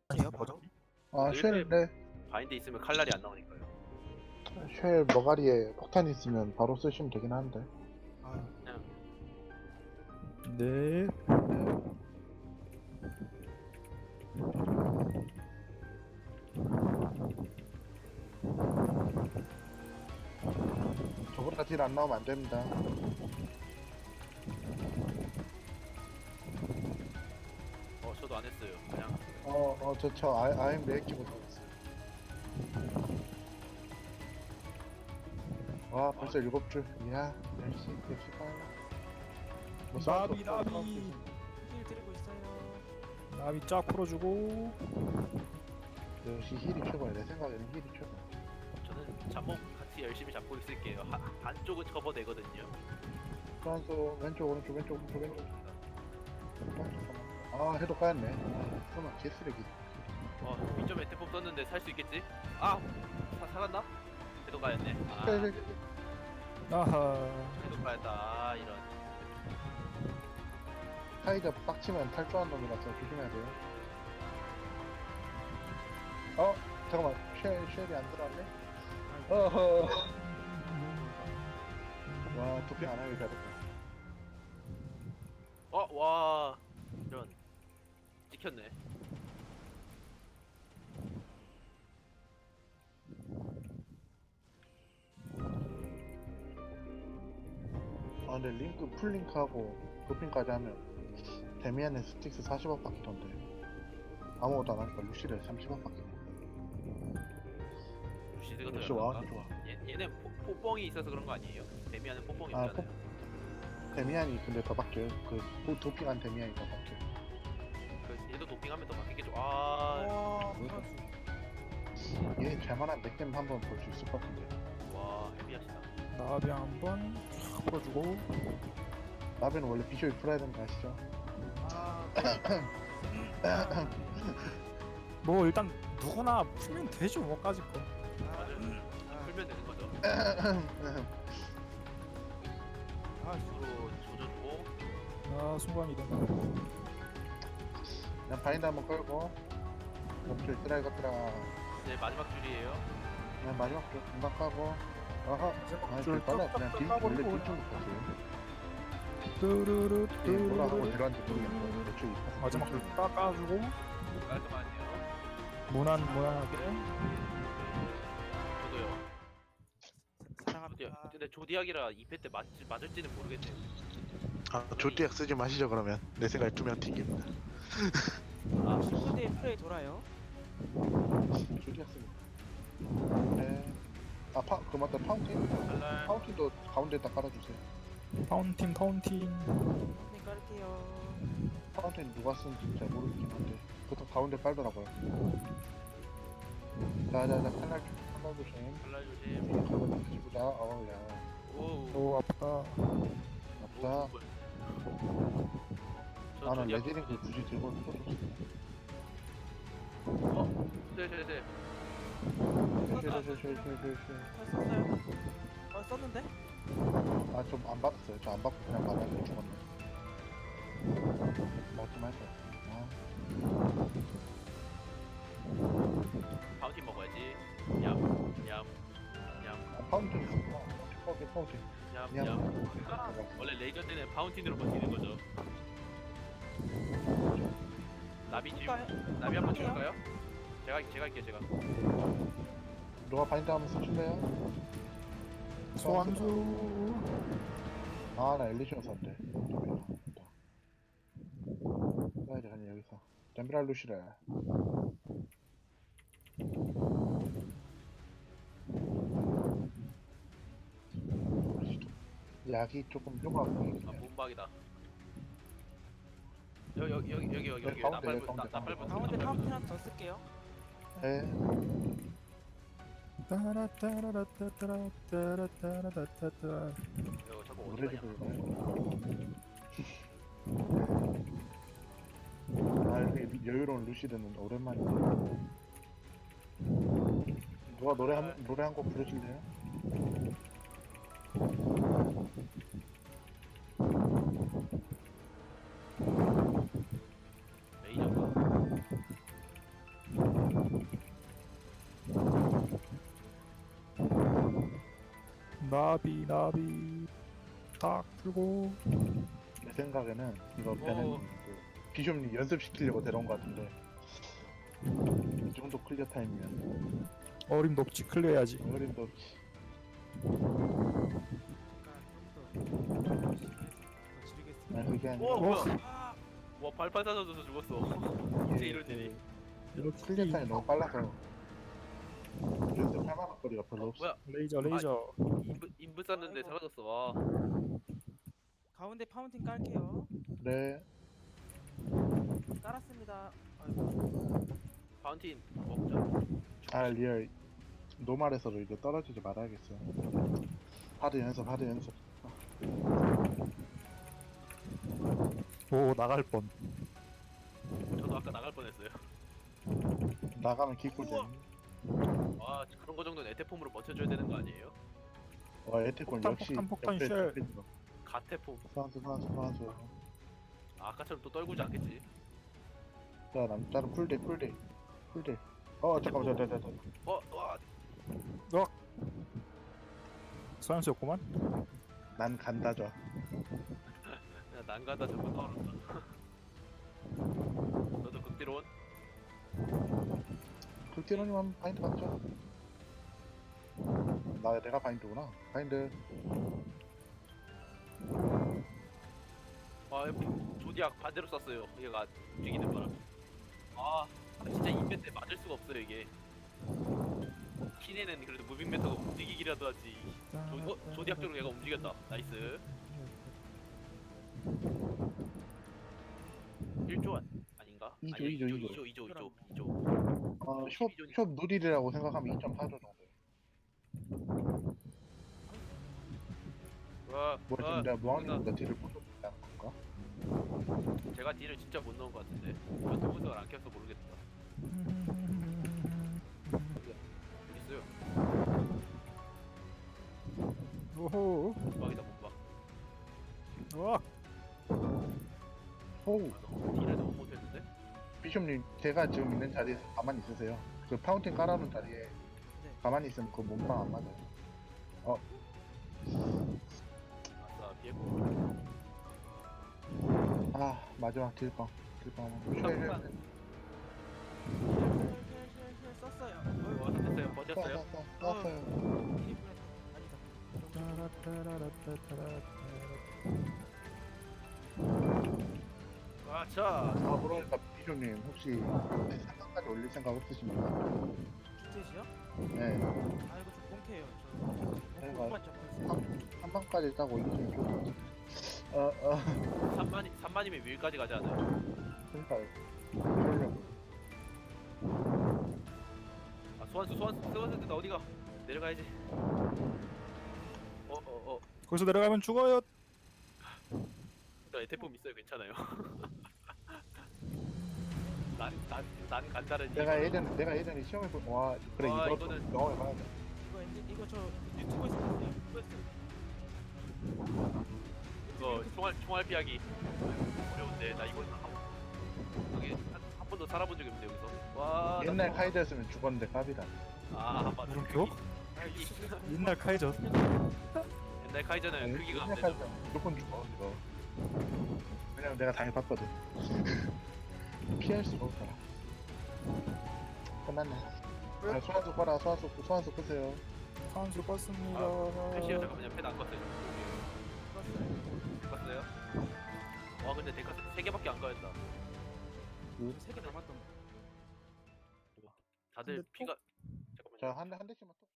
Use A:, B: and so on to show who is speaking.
A: 해요 바로?
B: 아, 쉘, 네.
C: 바인드 있으면 칼날이 안 나오니까요.
B: 쉘 머가리에 폭탄 있으면 바로 쓰시면 되긴 하는데.
A: 아
C: 그냥
D: 네.
B: 저보다 딜 안 나오면 안 됩니다.
C: 저도 안 했어요. 그냥
B: 아임 레이키 못하겠어요. 와, 벌써 7줄. 이야, 역시 뭐
D: 나비 나비
A: 힐 드리고 있어요.
D: 나비 쫙 풀어주고.
B: 역시 힐이 최고야. 내 생각에는 힐이 최고.
C: 저는 잡목 같이 열심히 잡고 있을게요. 반쪽은 커버되거든요.
B: 프란스 왼쪽, 오른쪽, 왼쪽, 오른쪽, 왼쪽. 잠깐만. 아, 해도 까였네. 설마 개쓰레기.
C: 위점 에테폼 썼는데 살 수 있겠지? 살았나? 해도 가였네.
D: 아하.
C: 해도 가였다. 이런.
B: 타이저 빡치면 탈주한 놈이라서 조심해야 돼요. 잠깐만. 쉘이 안 들어왔네? 어허. 와, 도핑 안 하길 잘했다.
C: 와. 이런. 찍혔네.
B: 근데 링크, 풀링크하고 도핑까지 하면 데미안의 스틱스 40억 받던데 아무것도 안 하니까 루시를 30억 받겠네.
C: 루시드가 더
B: 역시 와운이
C: 열받나?
B: 좋아.
C: 얘는 포뽕이 있어서 그런 거 아니에요? 데미안은 포뽕이
B: 아,
C: 없잖아요.
B: 데미안이 근데 더 바뀌어요. 도핑한 데미안이 더 바뀌어요.
C: 얘도 도핑하면 더 바뀌겠죠.
A: 와 프랑스.
B: 얘 잘만한 넥댐 한번 볼 수 있을 것 같은데.
C: 와, 헤비하시다.
D: 나비 한번 쫙 풀어주고.
B: 나비는 원래 비주얼 풀어야 되는 거 아시죠?
D: 뭐 일단 누구나 풀면 되죠 뭐까지 거.
C: 맞아요. 풀면 되는 거죠. 서로 조져주고.
D: 아 순간이동.
B: 그냥 바인드 한번 걸고 넘줄 쓰라 이것들아.
C: 이제 마지막 줄이에요.
B: 그냥 마지막 줄 금방 까고. 아하.
D: 줄
B: 빨라. 그냥
D: 쫙쫙
B: 딜
D: 까버리고.
B: 원래 딜좀 못하세요.
D: 뚜루루
B: 이게 뭐라 하고
D: 뚜루루.
B: 들어왔는지 모르겠어. 대충 이파서
D: 마지막 줄 깎아주고.
C: 깔끔하네요.
D: 무난하게.
C: 저도요.
A: 사랑합니다.
C: 근데 조디악이라 2패 때 맞을지는 모르겠네요.
B: 조디악 쓰지 마시죠 그러면. 내 생각에 2명 튕깁니다.
A: 친구들 플레이 돌아요.
B: 조디악 쓰기. 네. 맞다. 파운틴?
C: 칼날.
B: 파운틴도 가운데에다 깔아주세요.
D: 파운틴.
A: 네 깔게요.
B: 파운틴 누가 쓴지 잘 모르겠긴 한데 보통 가운데 깔더라고요. 칼날 조심.
C: 칼날 조심.
B: 지구다. 어우야.
C: 오.
D: 오 아프다.
B: 아프다. 나는 레지링크 굳이 들고 있어줬어.
C: 네.
A: 썼어요? 썼는데?
B: 좀 안 받았어요. 저 안 받고 그냥 맞았는데 죽었네. 맞지 말자.
C: 파운틴 먹어야지. 얌.
B: 파운틴 있었구나. 파운틴.
C: 얌. 원래 레이저 때는 파운틴으로 버티는 거죠. 나비 한번 줄까요? 제가 할게요, 제가.
B: 누가 바인드 한번 쓰실래요?
D: 소환수.
B: 나 엘리시온 썼대. 써야지, 그냥 여기서. 댐브랄 루시래. 약이 조금 좁아서.
C: 몸박이다. 여기.
B: 가운데,
C: 나팔부터.
A: 가운데 파운틴 하나 더 쓸게요.
B: 네.
D: 따라따라따따라따라따라따따.
C: 이거 자꾸 어디
B: 노래를
C: 가냐?
B: 부르네. 이렇게 여유로운 루시드는 오랜만이네. 누가 노래 한 곡 부르실래요?
C: 레이저가.
D: 나비 딱 풀고.
B: 내 생각에는 이거 배는 그 비숍님 연습시키려고 데려온 것 같은데 이 정도 클리어 타임이면
D: 어림도 없지, 클리어해야지.
B: 어림도
A: 그러니까 좀더 열심히 해서 더 지르겠습니다.
B: 그게
C: 오
B: 아니라
C: 뭐야?
A: 아,
C: 와 발판 사져서 죽었어.
B: 이게
C: 이제 이런 일이.
D: 이렇게
B: 클리어 타임이 너무 빨라서 연습할 만한 거리가 별로 없어.
C: 뭐야?
D: 레이저.
C: 인부 쐈는데
A: 아이고.
C: 사라졌어. 와.
A: 가운데 파운틴 깔게요.
B: 네,
A: 깔았습니다. 아이고,
C: 파운틴 먹자.
B: 아 리얼 노말에서도 이제 떨어지지 말아야겠어요. 하드 연습.
D: 오, 나갈 뻔.
C: 저도 아까 나갈 뻔했어요.
B: 나가면 기꿀잼.
C: 와 그런 거 정도는 에테폼으로 버텨줘야 되는 거 아니에요?
B: 와 에테콘
D: 폭탄,
B: 역시
D: 폭탄,
B: 옆에
D: 쉘.
B: 옆에 있어.
C: 가테폼.
B: 소환수.
C: 아까처럼 또 떨구지 않겠지?
B: 자 남자는 풀대. 잠깐만 저.
C: 와.
D: 소환수였구만.
B: 난 간다죠.
C: 야 난간다 저거 떨어졌다. 너도 극딜온?
B: 극딜원님 한번 바인드 받죠. 내가 바인드구나. 바인드.
C: 아 조디악 반대로 쐈어요. 얘가 움직이는 바람. 아 진짜 인벤 때 맞을 수가 없어요 이게. 키네는 그래도 무빙 메터가 움직이기라도 하지. 조디악 쪽으로 얘가 움직였다. 나이스. 1조 아닌가?
B: 이조,
C: 아니,
B: 이조.
C: 2조.
B: 숍 누리라고 생각하면 2.4조 정도.
C: 와,
B: 뭐 지금 내가 무한리보다 딜을 못 넣는다는 건가?
C: 제가 딜을 진짜 못 넣은 것 같은데. 이거 분석을 안 켜서 모르겠다. 여기 있어요.
D: 오호.
C: 못박이다 못박.
D: 와.
B: 호우.
C: 딜을 너무 못했는데?
B: 비숍님 제가 지금 있는 자리에서 가만히 있으세요. 그 파운틴 깔아놓은 자리에
A: 네.
B: 가만히 있으면 그 몸빵 안 맞아요.
C: 아싸 비에고.
B: 아 마지막 딜빵 한번
C: 잠깐만.
A: 쉘 썼어요.
C: 와 됐어요. 버텼어요.
B: 쐈어요.
A: 1인분에 아니다.
C: 아차.
B: 아 그러니까 비숍님 혹시 3강까지 올릴 생각 없으십니까?
A: 주택이요?
B: 네.
A: 아 이거 좀 꽁캐요. 저
B: 네,
A: 공만 잡고 있어요.
B: 3강까지 딱 올리시면 좋을 것 같아요.
C: 3만이면 위까지 가지 않아요?
B: 그러니까 그러려고.
C: 아 소환수 나 어디가? 내려가야지.
D: 거기서 내려가면 죽어요.
C: 나 에테폼 있어요. 괜찮아요. 난 간다는
B: 내가 예전에 시험해 와 그래
C: 와,
B: 이것도
C: 이거는-
B: 경험해봐야 돼.
A: 이거 저 유튜브에서 봤어요.
C: 이거 총알 피하기 어려운데 나 이거는 한 번도 살아본 적이 없는데 여기서. 와. 나
B: 옛날
C: 또-
B: 카이드였으면 죽었는데 깝이다.
C: 아 맞아.
D: 물음표? 옛날 카이저.
C: 옛날 카이저는 크기가 안
B: 옛날
C: 되죠.
B: 카이드 무조건 죽어 이거. 왜냐면 내가 당해봤거든. 피할 수가 없더라. 끝났네. 아, 소환수 끄세요.
D: 소환수 껐습니다.
C: 패시요 잠깐만요. 패드 안 껐어요. 껐어요? 와 근데 데카 3개밖에 안 까였다.
A: 세개 남았던 거.
C: 다들
D: 근데
C: 피가 잠깐만요.
B: 자, 한 대씩만 또.